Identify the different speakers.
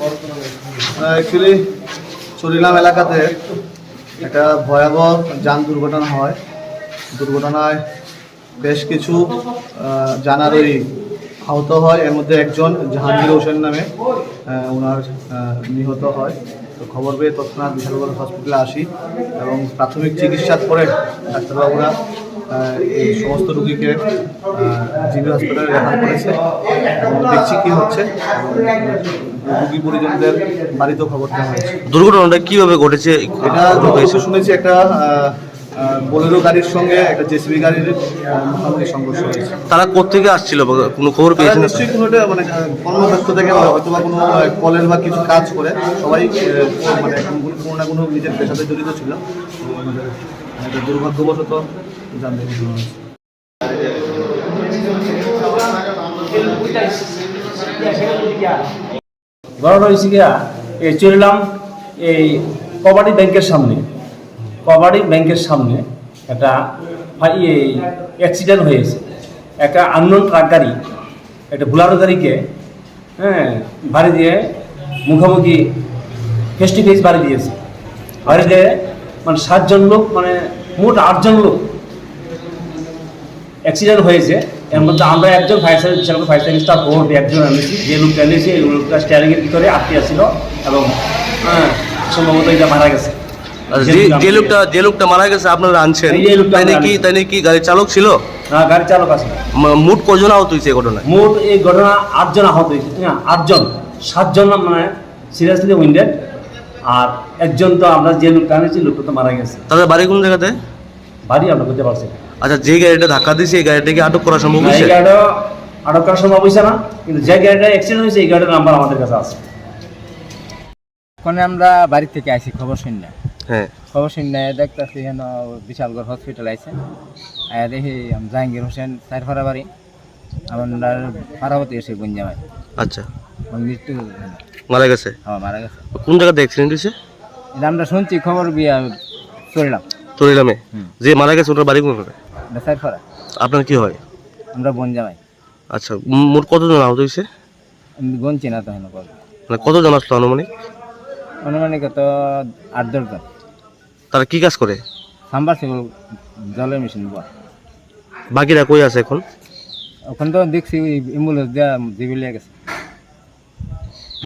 Speaker 1: Actually চরিলাম এলাকাতে একটা ভয়াবহ যান দুর্ঘটনা হয়। দুর্ঘটনায় বেশ কিছু জানারই আহত হয়। এর মধ্যে একজন জাহাঙ্গীর হোসেন নামে ওনার নিহত হয়। তো খবর পেয়ে তৎক্ষণাৎ বিশালগড় হসপিটালে আসি এবং প্রাথমিক চিকিৎসার পরে ডাক্তারবাবুরা এই সমস্ত রোগীকে জিবি হসপিটালে রেফার করেছে এবং দেখছি কী হচ্ছে। রোগী পরিজনদের বাড়িতেও খবর দেওয়া হয়েছে।
Speaker 2: দুর্ঘটনাটা কীভাবে ঘটেছে?
Speaker 1: এটা শুনেছি একটা বোলেরো গাড়ির সঙ্গে একটা জেসিবি গাড়ির মুখোমুখি সংঘর্ষ হয়েছে।
Speaker 2: তারা কোত্থেকে আসছিল, কোনো খবর পেয়েছেন?
Speaker 1: নিশ্চয়ই কোনো একটা মানে কর্মব্যস্ত থেকে হয়তো বা কোনো কলের বা কিছু কাজ করে সবাই মানে কোনো না কোনো নিজের পেশাতে জড়িত ছিল। আমাদের দুর্ভাগ্যবশত জানতে
Speaker 3: ঘটনা হয়েছে গিয়া এই চললাম এই কবাডি ব্যাংকের সামনে একটা এই অ্যাক্সিডেন্ট হয়েছে। একটা আননোন ট্রাক গাড়ি একটা বুলারো গাড়িকে বাড়ি দিয়ে মুখোমুখি ফেস টু ফেস বাড়ি দিয়েছে। বাড়ি দিয়ে মানে 7 জন লোক, মানে মোট 8 জন লোক অ্যাক্সিডেন্ট হয়েছে। এর মধ্যে আমরা একজন ফায়ার সার্ভিস স্টাফ একজন এনেছি। যে লোকটা এনেছি এই লোকটা স্টিয়ারিংয়ের ভিতরে আটকে ছিল এবং সম্ভবত এটা মারা গেছে।
Speaker 2: যে লোকটা মারা গেছে আপনারা আনছেন, তাই নাকি গাড়ির চালক ছিল?
Speaker 3: না, গাড়ির চালক আছে।
Speaker 2: মোট কজন আহত হয়েছে এই ঘটনায়?
Speaker 3: মোট এই ঘটনা 8 জন আহত হয়েছে। 8 জন, 7 জন মানে সিরিয়াসলি উইন্ডেড, আর একজন তো আমরা যে লোকটা আনেছি লোকটা তো মারা গেছে।
Speaker 2: তাদের বাড়ি কোন জায়গাতে?
Speaker 3: বাড়ি আমরা করতে পারছি।
Speaker 2: আচ্ছা, যে গাড়িটা ধাক্কা দিয়েছে এই গাড়িটাকে আটক করা সম্ভব হয়েছে?
Speaker 3: এই গাড়িটা আটক করা সম্ভব হয়েছে না, কিন্তু যে গাড়িটা অ্যাক্সিডেন্ট হয়েছে এই গাড়িটার নাম্বার আমাদের কাছে আছে।
Speaker 4: ওখানে আমরা বাড়ি থেকে আইছি খবর শুনে।
Speaker 2: হ্যাঁ,
Speaker 4: খবর শুনে দেখতেছি হেন বিশালগড় হসপিটাল আইছে। আয়া দেখি জাহাঙ্গীর হোসেন চারপাড়া বাড়ি, আমার পারাবতী এসে গুঞ্জামাই।
Speaker 2: আচ্ছা,
Speaker 4: মৃত্যু
Speaker 2: মারা গেছে?
Speaker 4: হ্যাঁ, মারা গেছে।
Speaker 2: কোন জায়গাতে অ্যাক্সিডেন্ট হয়েছে?
Speaker 4: এটা আমরা শুনছি, খবর বিয়া চললাম।
Speaker 2: চরিলামে? যে মারা গেছে ওটার বাড়ি কোথায়?
Speaker 4: চারপাড়া।
Speaker 2: আপনার কি হয়?
Speaker 4: আমরা গুঞ্জামাই।
Speaker 2: আচ্ছা, মোট কতজন আহত হয়েছে?
Speaker 4: গুনছি না তো হেন
Speaker 2: মানে কতজন আসলো আনুমানিক?
Speaker 4: অনুমানিক তো 8-10 জন।
Speaker 2: তারা কি কাজ করে?
Speaker 4: সাম্বারসিবল জলের মেশিন বল।
Speaker 2: বাকিরা কই আছে এখন?
Speaker 4: ওখানে তো দেখছি অ্যাম্বুলেন্স দেওয়া জিবিলিয়া গেছে।